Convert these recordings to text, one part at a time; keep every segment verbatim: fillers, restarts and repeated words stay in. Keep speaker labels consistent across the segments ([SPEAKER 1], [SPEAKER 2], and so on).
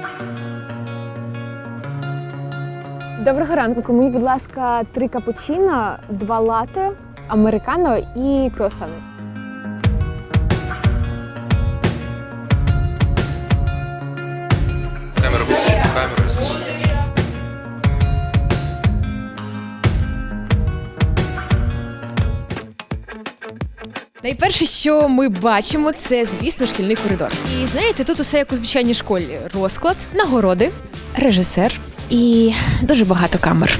[SPEAKER 1] Доброго ранку. Мені, будь ласка, три капучино, два лате, американо і круасани.
[SPEAKER 2] Камеру виключи, камеру, я сказав.
[SPEAKER 3] Найперше, що ми бачимо, це, звісно, шкільний коридор. І знаєте, тут усе як у звичайній школі. Розклад, нагороди, режисер і дуже багато камер.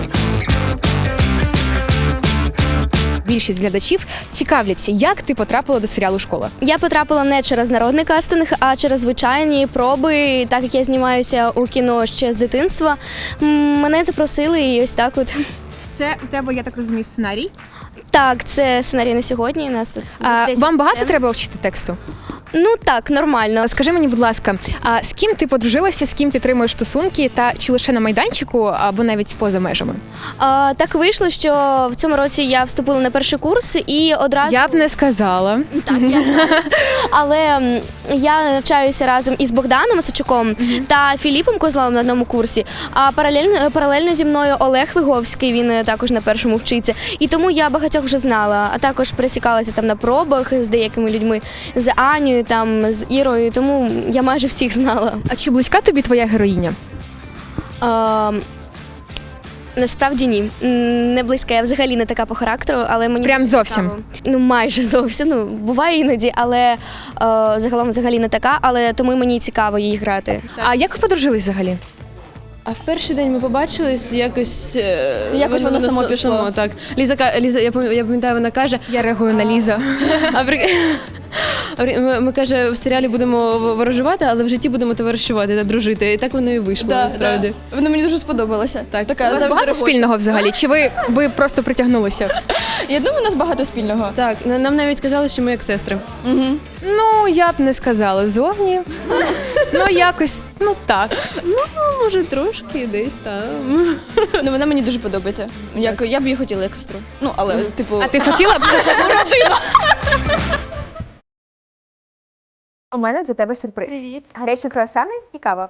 [SPEAKER 3] Більшість глядачів цікавляться, як ти потрапила до серіалу «Школа».
[SPEAKER 4] Я потрапила не через народний кастинг, а через звичайні проби. Так як я знімаюся у кіно ще з дитинства, м, мене запросили і ось так от.
[SPEAKER 1] Це у тебе, я так розумію, сценарій?
[SPEAKER 4] Так, це сценарій на сьогодні. У нас тут
[SPEAKER 3] А,
[SPEAKER 4] десять
[SPEAKER 3] вам багато
[SPEAKER 4] сцен.
[SPEAKER 3] треба вчити тексту?
[SPEAKER 4] Ну так, нормально.
[SPEAKER 3] Скажи мені, будь ласка, а з ким ти подружилася, з ким підтримуєш стосунки, та чи лише на майданчику, або навіть поза межами?
[SPEAKER 4] А, так вийшло, що в цьому році я вступила на перший курс і одразу.
[SPEAKER 3] Я б не сказала.
[SPEAKER 4] Так, я... Але м, я навчаюся разом із Богданом Осадчуком та Філіпом Козловим на одному курсі, а паралельно, паралельно зі мною Олег Виговський, він е, також на першому вчиться. І тому я багатьох вже знала, а також пересікалася там на пробах з деякими людьми, з Анією, там, з Ірою, тому я майже всіх знала.
[SPEAKER 3] А чи близька тобі твоя героїня?
[SPEAKER 4] А, насправді ні. М, Не близька, я взагалі не така по характеру, але мені
[SPEAKER 3] Прям
[SPEAKER 4] дуже
[SPEAKER 3] зовсім?
[SPEAKER 4] цікаво. Ну, майже зовсім. Ну, буває іноді, але е, загалом взагалі не така, але тому мені цікаво її грати.
[SPEAKER 3] А як ви подружились взагалі?
[SPEAKER 5] А в перший день ми побачились, якось е,
[SPEAKER 6] Якось воно само
[SPEAKER 5] с-
[SPEAKER 6] пішло.
[SPEAKER 5] само, так. Ліза, ка- Ліза, я пам'ятаю, я пам'ятаю, вона каже,
[SPEAKER 3] Я реагую на Лізу.
[SPEAKER 5] а при... а при- ми, ми каже, в серіалі будемо в- ворожувати, але в житті будемо товаришувати та дружити. І так воно і вийшло,
[SPEAKER 6] Да,
[SPEAKER 5] насправді.
[SPEAKER 6] да. Воно мені дуже сподобалося.
[SPEAKER 5] Так.
[SPEAKER 6] Така
[SPEAKER 3] У вас
[SPEAKER 6] завжди
[SPEAKER 3] багато
[SPEAKER 6] робоча.
[SPEAKER 3] спільного взагалі? Чи ви, ви просто притягнулися?
[SPEAKER 6] Я думаю, у нас багато спільного.
[SPEAKER 5] Так, на- нам навіть казали, що ми як сестри.
[SPEAKER 6] Угу.
[SPEAKER 3] Ну, я б не сказала зовні. Ну, якось, ну так.
[SPEAKER 5] Ну, може, трошки десь там.
[SPEAKER 6] Ну, вона мені дуже подобається. Як, я б її хотіла як сестру. Ну, але, типу,
[SPEAKER 3] А ти хотіла б?
[SPEAKER 1] У мене для тебе сюрприз.
[SPEAKER 4] Привіт.
[SPEAKER 1] Гарячі круасани і кава.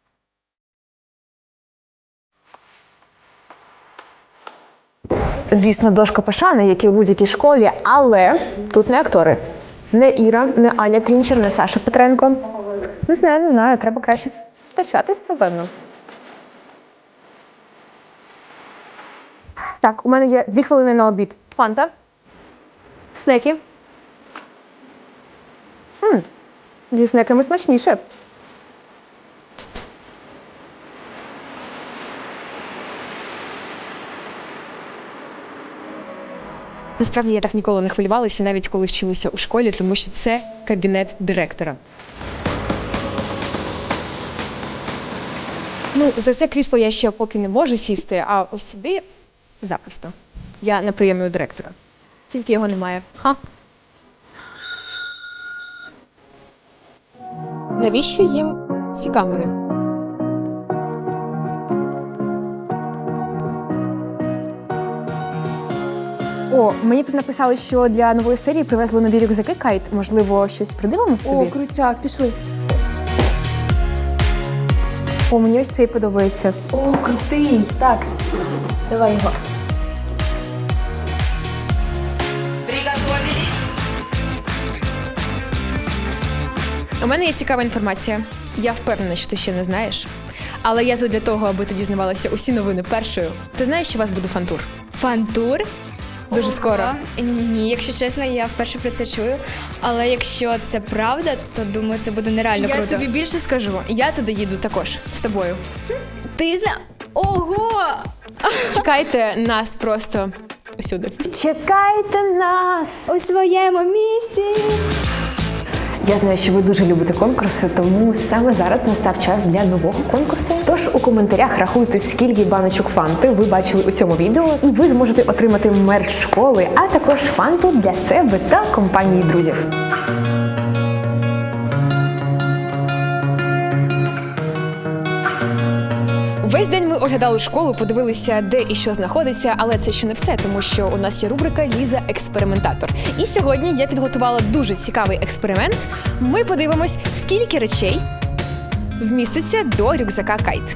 [SPEAKER 1] Звісно, дошка пошани, як і в будь-якій школі, але тут не актори. Не Іра, не Аня Трінчер, не Саша Петренко. Не знаю, не знаю, треба краще втачатись, напевно. Так, у мене є дві хвилини на обід. Фанта. Снеки. М, зі снеками смачніше.
[SPEAKER 3] Насправді я так ніколи не хвилювалася, навіть коли вчилася у школі, тому що це кабінет директора. Ну, за це крісло я ще поки не можу сісти, а ось сюди запросто. Я на прийомі у директора. Тільки його немає. Ха. Навіщо їм ці камери?
[SPEAKER 1] О, мені тут написали, що для нової серії привезли нові рюкзаки Кайт. Можливо, щось придивимось собі?
[SPEAKER 6] О, крутяк, пішли.
[SPEAKER 1] О, мені ось цей подобається.
[SPEAKER 6] О, крутий. Так, давай його.
[SPEAKER 3] У мене є цікава інформація. Я впевнена, що ти ще не знаєш. Але я тут для того, аби ти дізнавалася усі новини першою. Ти знаєш, що у вас буде фантур?
[SPEAKER 7] Фантур?
[SPEAKER 3] Дуже
[SPEAKER 7] Ого.
[SPEAKER 3] скоро.
[SPEAKER 7] Ні, якщо чесно, я вперше про це чую. Але якщо це правда, то думаю, це буде нереально
[SPEAKER 3] Я
[SPEAKER 7] круто.
[SPEAKER 3] тобі більше скажу. Я туди їду також з тобою.
[SPEAKER 7] Ти зна... Ого!
[SPEAKER 3] Чекайте нас просто усюди.
[SPEAKER 1] Чекайте нас!
[SPEAKER 4] У своєму місці.
[SPEAKER 1] Я знаю, що ви дуже любите конкурси, тому саме зараз настав час для нового конкурсу. Тож у коментарях рахуйте, скільки баночок фанти ви бачили у цьому відео, і ви зможете отримати мерч школи, а також фанту для себе та компанії друзів.
[SPEAKER 3] Весь день ми оглядали школу, подивилися, де і що знаходиться, але це ще не все, тому що у нас є рубрика «Ліза експериментатор». І сьогодні я підготувала дуже цікавий експеримент. Ми подивимось, скільки речей вміститься до рюкзака кайт.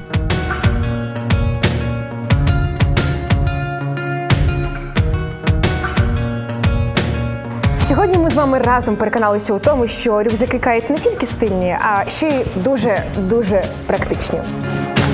[SPEAKER 1] Сьогодні ми з вами разом переконалися у тому, що рюкзаки кайт не тільки стильні, а ще й дуже-дуже практичні.